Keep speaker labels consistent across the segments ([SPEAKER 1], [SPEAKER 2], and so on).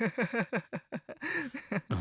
[SPEAKER 1] ఆ!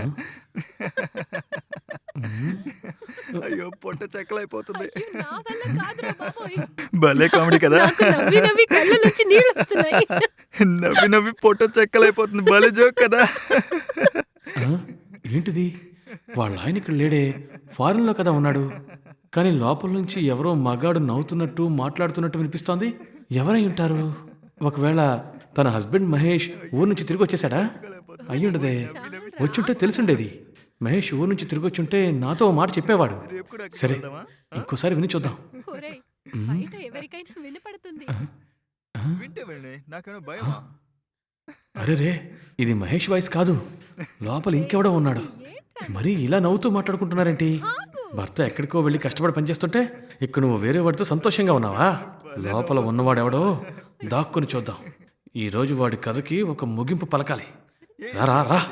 [SPEAKER 1] హ్మ్.
[SPEAKER 2] అయ్యో! పొట్ట చెక్కలైపోతుంది.
[SPEAKER 3] అయ్యో! నా వల్ల కాదురా బాబోయ్!
[SPEAKER 2] భలే కామెడీ కదా!
[SPEAKER 3] నాకు నవ్వి నవ్వి కళ్ళ నుంచి నీళ్ళొస్తున్నాయి.
[SPEAKER 2] నవ్వి నవ్వి పొట్ట చెక్కలైపోతుంది. భలే జోక్ కదా!
[SPEAKER 1] ఆ! ఏంటిది? వాళ్ళాయన ఇక్కడ లేడే. ఫారెన్‌లో కదా ఉన్నాడు. కానీ లోపల నుంచి ఎవరో మగాడు నవ్వుతున్నట్టు, మాట్లాడుతున్నట్టు వినిపిస్తోంది. ఎవరై ఉంటారు? ఒకవేళ తన హస్బెండ్ మహేష్ ఊరు నుంచి తిరిగొచ్చేసాడా? అయ్యుండదే.
[SPEAKER 3] చాలురా.
[SPEAKER 1] వచ్చుంటే తెలిసుండేది. మహేష్ ఊరు నుంచి తిరిగొచ్చుంటే నాతో ఓ మాట చెప్పేవాడు.
[SPEAKER 2] రేపు కూడా అక్కడికి
[SPEAKER 1] సరే,
[SPEAKER 2] వెళ్దామా?
[SPEAKER 1] ఇంకోసారి విని చూద్దాం.
[SPEAKER 3] ఒరేయ్!
[SPEAKER 1] హ్మ్.
[SPEAKER 3] బయట ఎవరికైనా వినపడుతుంది.
[SPEAKER 1] ఆ! ఆ!
[SPEAKER 2] వింటే వినండి. నాకేమైనా
[SPEAKER 1] ఆ!
[SPEAKER 2] భయమా?
[SPEAKER 1] అరెరే! ఇది మహేష్ వాయిస్ కాదు. లోపల ఇంకెవడో ఉన్నాడు.
[SPEAKER 3] ఏంట్రా
[SPEAKER 1] మరీ ఇలా నవ్వుతూ మాట్లాడుకుంటున్నారేంటి?
[SPEAKER 3] ఆగు.
[SPEAKER 1] భర్త ఎక్కడికో వెళ్ళి కష్టపడి పనిచేస్తుంటే ఇక్కడ నువ్వు వేరే వాడితో సంతోషంగా ఉన్నావా? లోపల ఉన్నవాడెవడో దాక్కుని చూద్దాం. ఈరోజు వాడి కథకి ఒక ముగింపు పలకాలి. రా రా రా.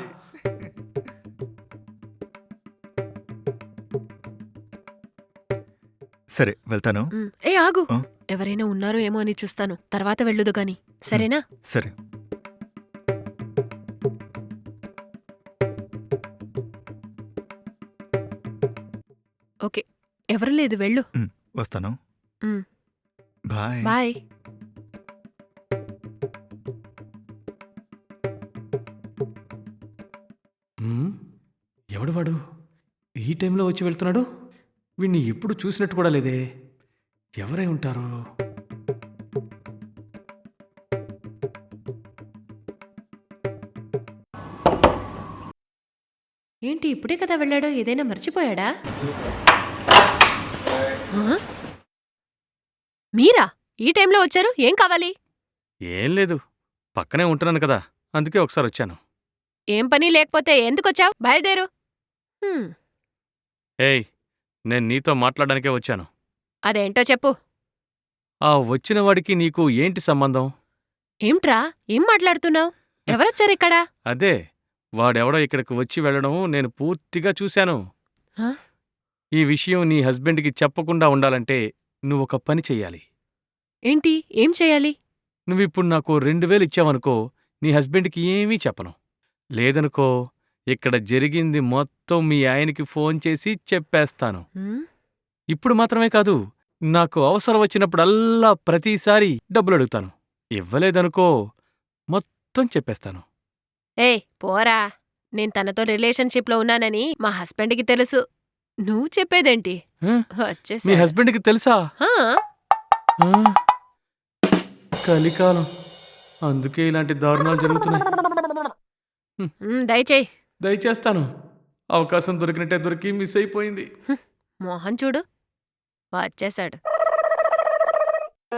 [SPEAKER 2] సరే వెళ్తాను.
[SPEAKER 3] ఏ ఆగు.
[SPEAKER 2] ఆ?
[SPEAKER 3] ఎవరైనా ఉన్నారో ఏమో అని చూస్తాను. తర్వాత వెళ్ళుదు గాని. సరేనా?
[SPEAKER 2] సరే.
[SPEAKER 3] ఓకే. ఎవరు లేదు వెళ్ళు.
[SPEAKER 2] వస్తాను.
[SPEAKER 3] హ్మ్.
[SPEAKER 2] బాయ్.
[SPEAKER 3] బాయ్.
[SPEAKER 1] హ్మ్. ఎవడు వాడు? ఈ టైంలో వచ్చి వెళ్తున్నాడు? వీణ్ణి ఎప్పుడు చూసినట్టు కూడా లేదే. ఎవరై ఉంటారు?
[SPEAKER 3] ఏంటి ఇప్పుడే కదా వెళ్ళాడు? ఏదైనా మర్చిపోయాడా? ఆ? మీరా? ఈ టైంలో వచ్చారు? ఏం కావాలి?
[SPEAKER 1] ఏం లేదు. పక్కనే ఉంటున్నాను కదా. అందుకే ఒకసారి వచ్చాను.
[SPEAKER 3] ఏం పని లేకపోతే ఎందుకొచ్చావు? బయలుదేరు. హ్మ్.
[SPEAKER 1] ఏయ్! నేను నీతో మాట్లాడడానికే వచ్చాను.
[SPEAKER 3] అదేంటో చెప్పు.
[SPEAKER 1] ఆ వచ్చిన వాడికి నీకు ఏంటి సంబంధం?
[SPEAKER 3] ఏమిట్రా? ఏం మాట్లాడుతున్నావు? ఎవరొచ్చారిక్కడ?
[SPEAKER 1] అదే. వాడెవడో ఇక్కడికి వచ్చి వెళ్ళడం నేను పూర్తిగా చూశాను.
[SPEAKER 3] ఆ?
[SPEAKER 1] ఈ విషయం నీ హస్బెండ్‌కి చెప్పకుండా ఉండాలంటే నువ్వొక పని చెయ్యాలి.
[SPEAKER 3] ఏంటి? ఏం చేయాలి?
[SPEAKER 1] నువ్విప్పుడు నాకు 2000 ఇచ్చావనుకో, నీ హస్బెండ్‌కి ఏమీ చెప్పను. లేదనుకో, ఇక్కడ జరిగింది మొత్తం మీ ఆయనకి ఫోన్ చేసి చెప్పేస్తాను.
[SPEAKER 3] హ్మ్?
[SPEAKER 1] ఇప్పుడు మాత్రమే కాదు, నాకు అవసరం వచ్చినప్పుడల్లా ప్రతిసారి డబ్బులడుగుతాను. ఇవ్వలేదనుకో, మొత్తం చెప్పేస్తాను.
[SPEAKER 3] ఏయ్ పోరా. నేను తనతో రిలేషన్‌షిప్‌లో ఉన్నానని మా హస్బెండ్‌కి తెలుసు. నువ్వు చెప్పేదేంటి?
[SPEAKER 1] ఆ? మీ
[SPEAKER 3] వచ్చేసాడు.
[SPEAKER 1] హస్బెండ్‌కి తెలుసా?
[SPEAKER 3] ఆ?
[SPEAKER 1] ఆ? కలికాలం. అందుకే ఇలాంటి దారుణాలు జరుగుతున్నాయి.
[SPEAKER 3] దయచేయి.
[SPEAKER 1] దయచేస్తాను. అవకాశం దొరికినట్టే దొరికి మిస్ అయిపోయింది.
[SPEAKER 3] మోహన్ చూడు వచ్చేశాడు.